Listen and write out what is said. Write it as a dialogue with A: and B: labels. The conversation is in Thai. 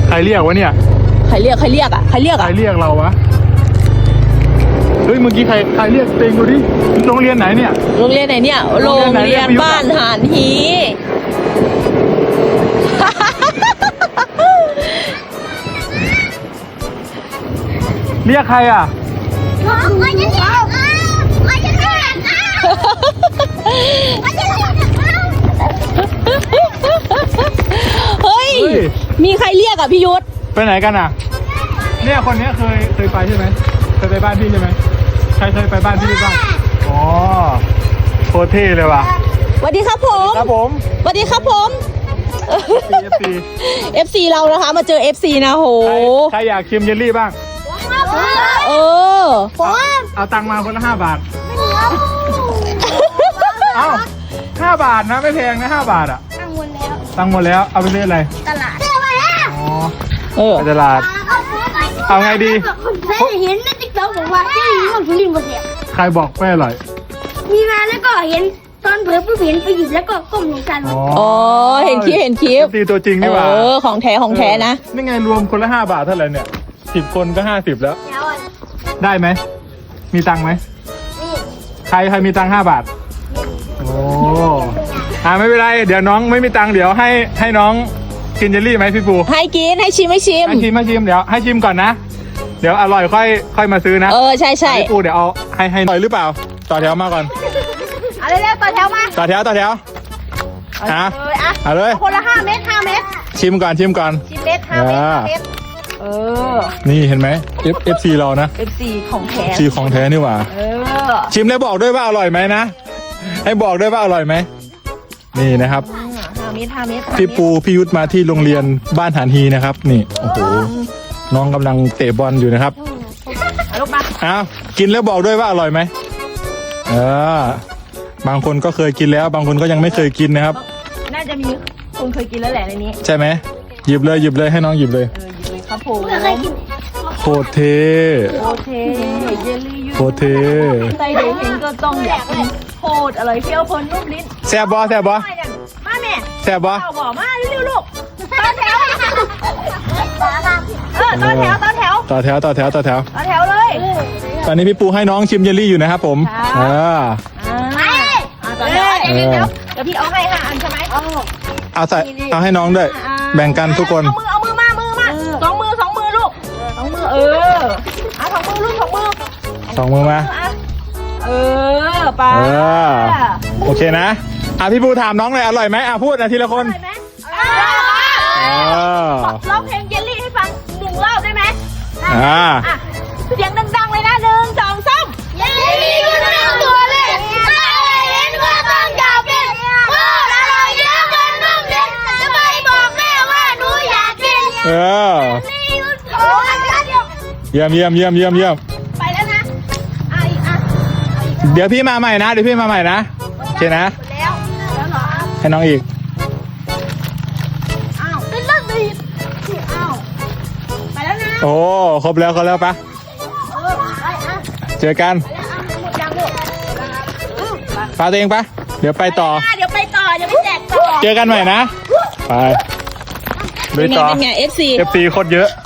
A: ใครเรียกวะเนี่ย
B: ใครเรียกอ่ะใครเรียก
A: เราวะเฮ้ยเมื่อกี้ใครเรียกเต็งดูดิโรงเรียนไหนเนี่ย
B: โรงเรียนไหนเนี่ยโรงเรียนบ้านหานฮี
A: เรียกใครอ่ะ
B: เฮ้ยมีใครเรียกอ่ะพี่ยุทธ
A: ไปไหนกันอ่ะเนี่ยคนนี้เคยไปใช่ไหมเคยไปบ้านพี่ใช่ไหมใครเคยไปบ้านพี่บ้างอ๋อโคตรเท่เลยว่ะ
B: สวัสดีครับผมสวัสดีครับผม FC เรานะคะมาเจอ FC นะโห
A: ใครอยากชิมเยลลี่บ้างเอาตังค์มาคนละ5 บาทเอา5 บาทนะไม่แพงนะ5 บาทอ่ะตังค์หมดแล้วเอาไปซื้ออะไร
C: ตลาด
A: ไปตลาดเอาไงดี
C: เห็นในติ๊กต็อกบอกว่าที่ของทุเรียนบดเสีย
A: ใครบอกไม่อร่อย
C: มีมาแล้วก็เห็นตอนเผลอผู้เห็นไปหยิบแล้วก็ก้มลงกัน
B: อ๋อเห็นคลิป
A: ตีตัวจริงนี่หว่า
B: ของแท้นะ
A: นี่ไงรวมคนละ5 บาทเท่าไหร่เนี่ย10 คนก็50แล้วได้ไหมมีตังค์ไหมใครมีตังค์5 บาทโอ้ไม่เป็นไรเดี๋ยวน้องไม่มีตังค์เดี๋ยวให้น้องกินเยลลี่ไหมพี่ปู
B: ให้กินให้ชิมเดี๋
A: ยวให้ชิมก่อนนะเดี๋ยวอร่อยค่อยมาซื้อนะ
B: ใช่
A: พี่ปูเดี๋ยวเอาให้หน่อยหรือเปล่าต่อแถวมาก่อน
C: อะไรเนี่ยต่อแถวมา
A: ต่อแถวเอาเลย
C: คนละ5 เม็ด
A: ชิมก่อน
C: 10 เม็ด5 เม็ด
A: นี่เห็นไหม FC เรานะ
B: FC ของแท้
A: ของแท้นี่หว่าชิมแล้วบอกด้วยว่าอร่อยไหมนะให้บอกด้วยว่าอร่อยไหมนี่นะครับ
B: 5 เม็ด
A: พี่ปูพี่ยุทธมาที่โรงเรียนบ้านหานฮีนะครับนี่โอ้โหน้องกำลังเตะบอลอยู่นะครับ
B: ลูกมา
A: กินแล้วบอกด้วยว่าอร่อยไหมบางคนก็เคยกินแล้วบางคนก็ยังไม่เคยกินนะครับ
B: น่าจะมีคนเคยกินแล้วแหละในนี้
A: ใช่ไหมหยิบเลยให้น้องหยิบเลย
B: ครับผม
A: โคตรเท่
B: เยลลี่
A: โคตรเท่
B: ใส่เด็กเห็นก็ต้องอยากกินโคตรอร่อยเปรี้ยวเพลินนุ่มลิ้น
A: แซ่บบ่
B: มาแม่
A: แซ่บบ่
B: บอกมาเร็วๆลูกต่อแถวต่อแถวเลย
A: ตอนนี้พี่ปูให้น้องชิมเยลลี่อยู่นะครับผม
B: ต่อแถวเดี๋ยวพี่เอาให้5 อันใช่ไหม
A: เอาให้น้องด้วยแบ่งกันทุกคน
B: เอามือมา2 มือลูก2 มือ2 มือลูก2 มือ
A: 2 มือมา
B: ไป
A: โอเคนะพี่ปูถามน้องเลยอร่อยไหมพูดทีละคน
B: ร้องเพลงเยลลี่ให้ฟัง1 รอบได้ไหมเสียงดังๆเลยนะ1 2 3
C: เยลลี่ก็ต้องตัวเล็กเห็นก็ต้องจับเป็นโคตรอร่อยเยอะกันนุ่มเด็ดจะไปบอกแม่ว่าหนูอยากกิน
A: เยี่ยม
C: ไปแล้วนะ
A: เดี๋ยวพี่มาใหม่นะโอเคนะให้น้องอีก
C: เป็นเรื่องดีไปแล้วนะ
A: โอ้ครบแล้วปะเจอกันพาตัวเองปะเดี๋ยวไปต่อ
C: เดี๋ยวไปแจกต่อ
A: เจอกันใหม่นะไป
B: เป็นไง FC
A: โคตรเยอะ